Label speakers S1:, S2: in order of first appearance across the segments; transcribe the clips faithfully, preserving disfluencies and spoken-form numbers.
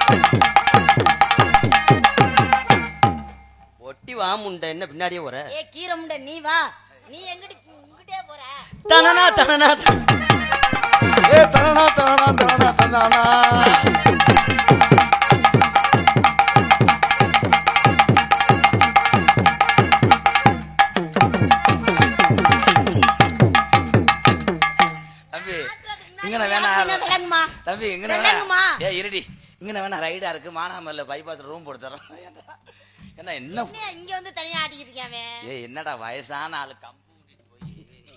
S1: ஒட்டி வா முண்டை, என்ன பின்னாடியே போற?
S2: ஏ கீரை முண்டை, நீ வா. நீ எங்கடி இங்கிட்டே போற?
S1: தனனா தனனா
S3: ஏ தனனா தனனா தனனா தனனா.
S1: தம்பி இங்கமா ஏ இருடி, இங்க வேணா ரைடா இருக்கு, மானாமல்ல பைபாஸ்ல ரூம் போட்டு தரோம். என்ன என்ன
S2: இங்க வந்து தனியா ஆடிட்டு இருக்கானே?
S1: ஏ என்னடா வயசான ஆளு கம்பு ஊட்டிட்டு போய்.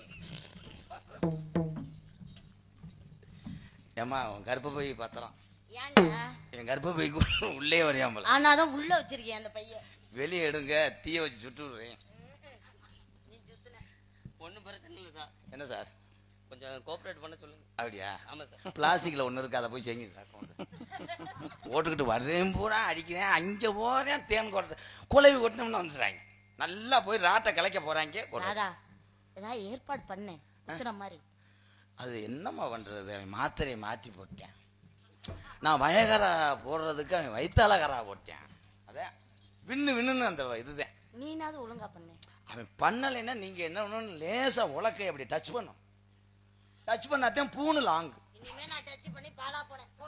S1: ஏமா உன் கர்ப்ப பை பத்திரம்.
S2: ஏங்க
S1: என் கர்ப்ப பை உள்ளே வரையாமல.
S2: ஆனாதான் உள்ள வச்சிருக்கேன் அந்த பைய.
S1: வெளியே எடுங்க, தீய வச்சு சுட்டு விடுறேன்.
S2: நீ சுத்துன
S1: ஒன்னும் பிரச்சனை இல்லை சார். என்ன சார் கொஞ்சம் கோஆபரேட் பண்ண சொல்லுங்க. அப்படியா? ஆமா சார். பிளாஸ்டிக்ல ஒண்ணு இருக்கு, அதை போய் செய்யுங்க சார். ஓட்டுக்கிட்டு வர்றேன் பூரா அடிக்கிறேன், அங்க போறேன் தேன் கொட்ட குலவி கொட்டினோம்னு வந்துடுறாங்க. நல்லா போய் ராட்டை கலைக்க போறாங்க.
S2: ஏதாவது ஏற்பாடு பண்ணேன் மாதிரி.
S1: அது என்னம்மா பண்றது, அவன் மாத்திரையை மாற்றி போட்டேன். நான் வயகரா போடுறதுக்கு அவன் வைத்தாலகரா போட்டேன். அதான் விண்ணு விண்ணுன்னு அந்த இதுதான்.
S2: நீனாவது ஒழுங்கா பண்ண.
S1: அவன் பண்ணலைன்னா நீங்க என்ன பண்ணணும், லேசா உலக்கை அப்படி டச் பண்ணும். டச் பண்ணாதான் பூணு லாங்கு.
S2: இனிமே நான் டச் பண்ணி பாலா போனேன் போ.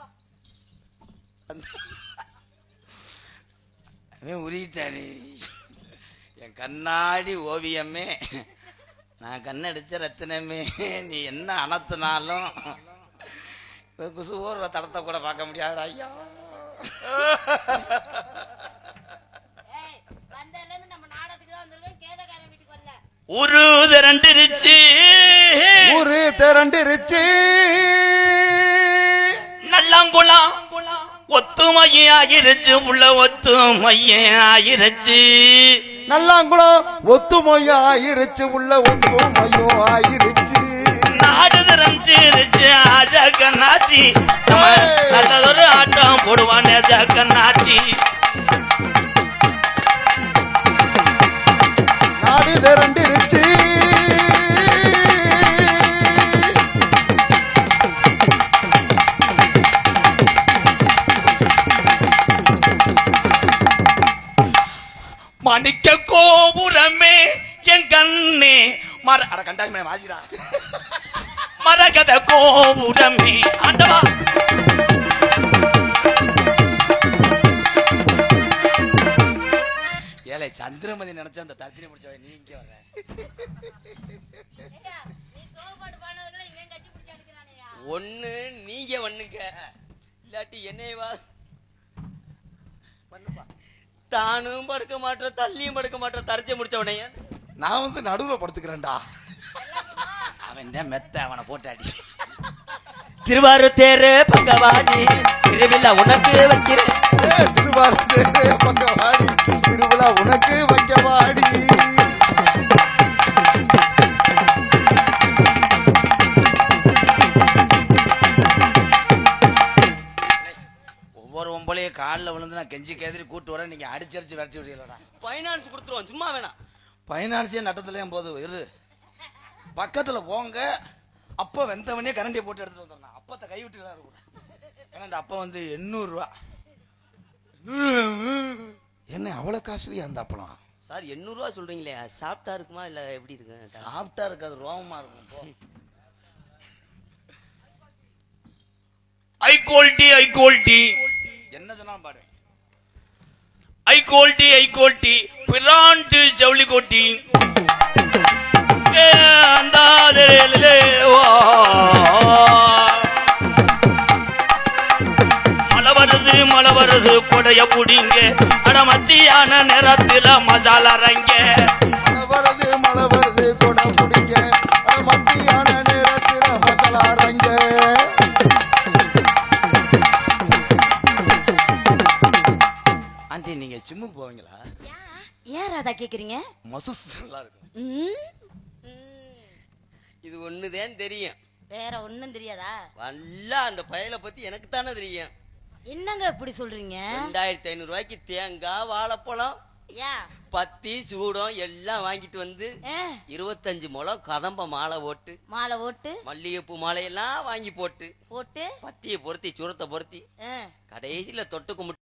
S1: அவன் உரிட்டாரு. என் கண்ணாடி ஓவியமே, நான் கண்ணடிச்ச ரத்தினமே, நீ என்ன அனத்துனாலும் குசு ஓடுற தடத்தை கூட பார்க்க முடியாது. ஐயா ஒரு திரண்டிருச்சு,
S3: ஊரு திரண்டிருச்சு,
S1: நல்லாங்குளம் ஒத்துமையே ஆகிருச்சு, உள்ள ஒத்துமையே ஆகிருச்சு.
S3: நல்லாங்குளம் ஒத்துமையோ ஆயிருச்சு, உள்ள ஒத்துமையோ ஆயிருச்சு.
S1: நாடு திரண்டிருச்சு ஆஜகநாச்சி, நல்லதொரு ஆட்டம் போடுவான் ஜகநாச்சி.
S3: நாடு திரண்டிருச்சு,
S1: மணிக்க கோபுரமே என் கண்ணே மர அட கண்டாய் மாஜிரா மரகத கோபுரமே. ஆண்டவா ஏலே சந்திரமதி நினைச்சா அந்த தர்த்தினி முடிச்சவ நீ இங்க வர. ஒண்ணு நீங்க பண்ணுங்க, இல்லாட்டி என்னையவா பண்ணுப்பா. தானும் படுக்க மாட்டேன், தள்ளியும் படுக்க மாட்டேன், தரச்ச முடிச்சவனைய
S3: நான் வந்து நடுவுல படுத்துக்கிறேன்டா.
S1: அவன் தான் மெத்த, அவனை போட்டாடி. திருவாரூர் தேரு பக்கவாடி, திருவிழா உனக்கு வைக்கிறேன்.
S3: திருவாரூர் தேரு பக்கவாடி, திருவிழா உனக்கு வைக்கவாடி.
S1: ஒவ்வொரு ஒம்பளையே காலில் விழுந்து நான் கெஞ்சி கேதிரி கூட்டு வரேன், நீங்க அடிச்சு அடிச்சு விரட்டி விடுறீங்களா? பைனான்ஸ் கொடுத்துருவோம், சும்மா வேணாம். பைனான்ஸே நட்டத்துலேயும் போது இரு, பக்கத்துல போங்க. அப்போ வெந்தவனே கரண்டியை போட்டு எடுத்துட்டு வந்துடுறேன். அப்பத்தை கைவிட்டு இருக்கும். ஏன்னா இந்த அப்பா வந்து எண்ணூறு ரூபா.
S3: என்ன அவ்வளவு காசுலயே அந்த அப்பளம்
S1: சார்? எண்ணூறு ரூபா சொல்றீங்களே, சாப்பிட்டா இருக்குமா இல்ல எப்படி இருக்கு? சாப்பிட்டா இருக்காது, ரோமமா இருக்கும். ஐ குவாலிட்டி ஐ குவாலிட்டி என்ன சொன்னா பாரு. I quality I quality brand ஜவுளி கோட்டி மழை வருது மழை வருது கொடைய புடிங்க, அட மத்தியான நேரத்துல மசாலா ரங்க.
S3: மழை வருது மழை வருது கொடை புடிங்க, அட மத்தியான நேரத்துல மசாலா ரங்க.
S1: ஆண்டி நீங்க ஜிம்முக்கு போவீங்களா?
S2: ஏன் ராதா கேக்குறீங்க?
S1: மசூஸ் நல்லா இருக்கும். இது ஒண்ணுதான் தெரியும்,
S2: வேற ஒண்ணும் தெரியாதா?
S1: வல்லா அந்த பயலை பத்தி எனக்கு தானே தெரியும்.
S2: என்னங்க இப்படி சொல்றீங்க?
S1: ரெண்டாயிரத்தி ஐநூறு ரூபாய்க்கு தேங்காய் வாழைப்பழம்.
S2: ஏன்
S4: பத்தி சூடம் எல்லாம் வாங்கிட்டு வந்து
S2: ஆ,
S4: இருபத்தஞ்சு முழம் கதம்ப மாலை போட்டு
S2: மாலை ஓட்டு
S4: மல்லிகைப்பூ மாலையெல்லாம் வாங்கி போட்டு
S2: போட்டு
S4: பத்தியை பொருத்தி சூரத்தை பொருத்தி
S2: ஆ,
S4: கடைசியில தொட்டு கும்பிட்டு